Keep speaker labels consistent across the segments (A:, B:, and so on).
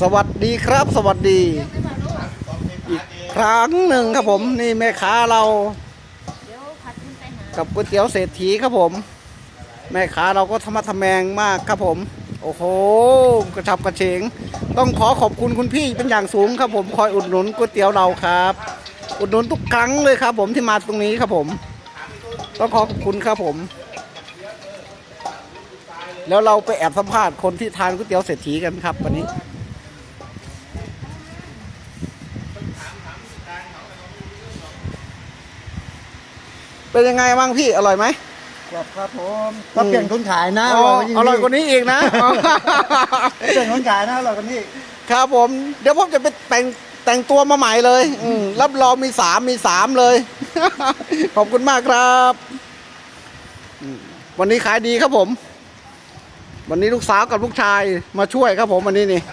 A: สวัสดีครับสวัสดีอีกครั้งหนึ่งครับผมนี่แม่ค้าเรากับก๋วยเตี๋ยวเศรษฐีครับผมแม่ค้าเราก็ธรรมะทแมงมากครับผมโอ้โหกระชับกระเฉงต้องขอขอบคุณคุณพี่เป็นอย่างสูงครับผมคอยอุดหนุนก๋วยเตี๋ยวเราครับอุดหนุนทุกครั้งเลยครับผมที่มาตรงนี้ครับผมต้องขอขอบคุณครับผมแล้วเราไปแอบสัมภาษณ์คนที่ทานก๋วยเตี๋ยวเศรษฐีกันครับวันนี้เป็นยังไงบ้างพี่อร่อยไหม
B: ครับผมถ้าเปลี่ยนคนขายนะ
A: อร่อยกว่านี้อีกนะ
B: เปลี่ยนคนขายนะอร่อยกว่านี้
A: ครับผมเดี๋ยวผมจะไปแต่งตัวมาใหม่เลยรับรองมีสามเลยขอบคุณมากครับวันนี้ขายดีครับผมวันนี้ลูกสาวกับลูกชายมาช่วยครับผมวันนี้นี่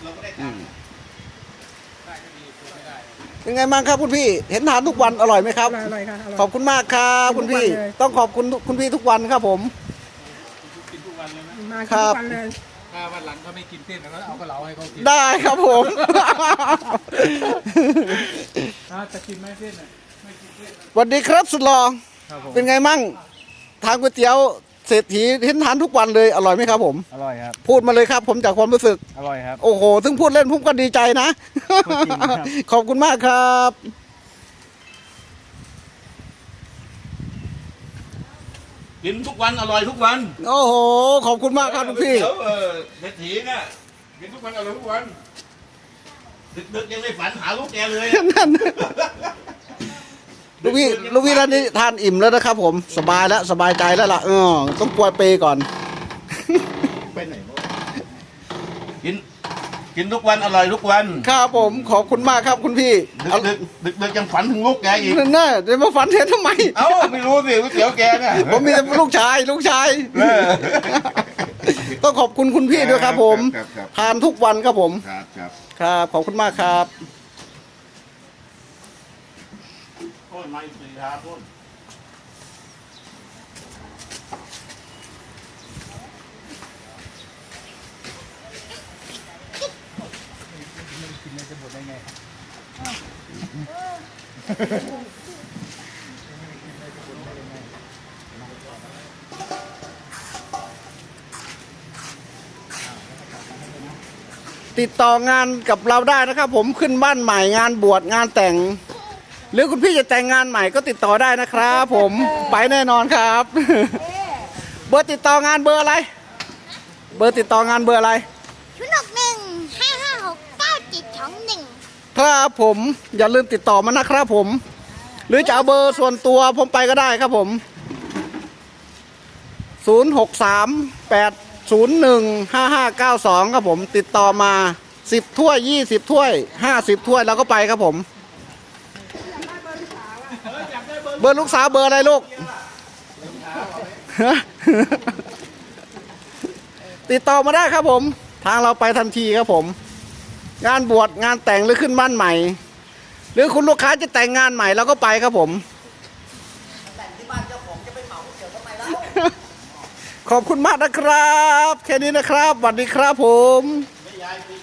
A: เป็นไงบ้างครับคุณพี่เห็นทานทุกวันอร่อยไหมครับ
B: อร่อยครับ
A: ขอบคุณมากครับคุณพี่ต้องขอบคุณคุณพี่ทุกวันครับผม
C: กินทุกวันเลยไหม
B: มาทุกวันเลย
C: ถ้าวันหลังเขาไม่กินเส้นแล้วเอากระเหลาให้เขากิน
A: ได้ครับผม
C: จะกินไหมเส้นไม่กินเส้น
A: สวัสดีครับสุดหล่อเป็นไงมั่งทานก๋วยเตี๋ยวเศรษฐีเห็นทานทุกวันเลยอร่อยไหมครับผม
C: อร่อยครับ
A: พูดมาเลยครับผมจากความรู้สึก
C: อร่อยครับ
A: โอ้โหถึงพูดเล่นผมก็ดีใจนะขอบคุณมากครับ
D: กินทุกวันอร่อยทุกวัน
A: โอ้โหขอบคุณมากครับทุกพี่
D: เศรษฐีเนี่ยกินทุกวันอร่อยทุกวันดึกๆยังไม่ฝันหาลูกแกเลย
A: นั่นลูกพี่ร้านนี้ทานอิ่มแล้วนะครับผมสบายแล้วสบายใจแล้วล่ะต้องกลัวเปก่อน
D: ไปไหนกินทุกวันอร่อยทุกวัน
A: ครับผมขอบคุณมากครับคุณพี่
D: ดึกยังฝันถึงลูกแกอีก
A: นั่นน่ะเดี๋ยวมาฝันเห็นทำไม
D: ไม่รู้สิก๋วยเตี๋ยวแกเนี่ย
A: ผมมีแต่ลูกชายต้องขอบคุณคุณพี่ด้วยครับผมทานทุกวันครับผมครับขอบคุณมากครับ
D: โทษไม่สีทาโทษ
C: จะหมดได้ไง
A: ติดต่องานกับเราได้นะครับผมขึ้นบ้านใหม่งานบวชงานแต่งหรือคุณพี่จะแต่งงานใหม่ก็ติดต่อได้นะครับผมไปแน่นอนครับเบอร์ติดต่องานเบอร์อะไรเบอร์ติดต่องานเบอร์อะไร
B: 061-556-9721
A: ครับผมอย่าลืมติดต่อมานะครับผมหรือจะเอาเบอร์ส่วนตัวผมไปก็ได้ครับผม0638015592ครับผมติดต่อมา10ถ้วย20ถ้วย50ถ้วยเราก็ไปครับผมเบอร์ลูกสาวเบอร์อะไรลูกติดต่อมาได้ครับผมทางเราไปทันทีครับผมงานบวชงานแต่งหรือขึ้นบ้านใหม่หรือคุณลูกค้าจะแต่งงานใหม่เราก็ไปครับผมแต่งที่บ้านเจ้าของจะไปเหมาเกี่ยวกับไหนแล้วขอบคุณมากนะครับแค่นี้นะครับสวัสดีครับผม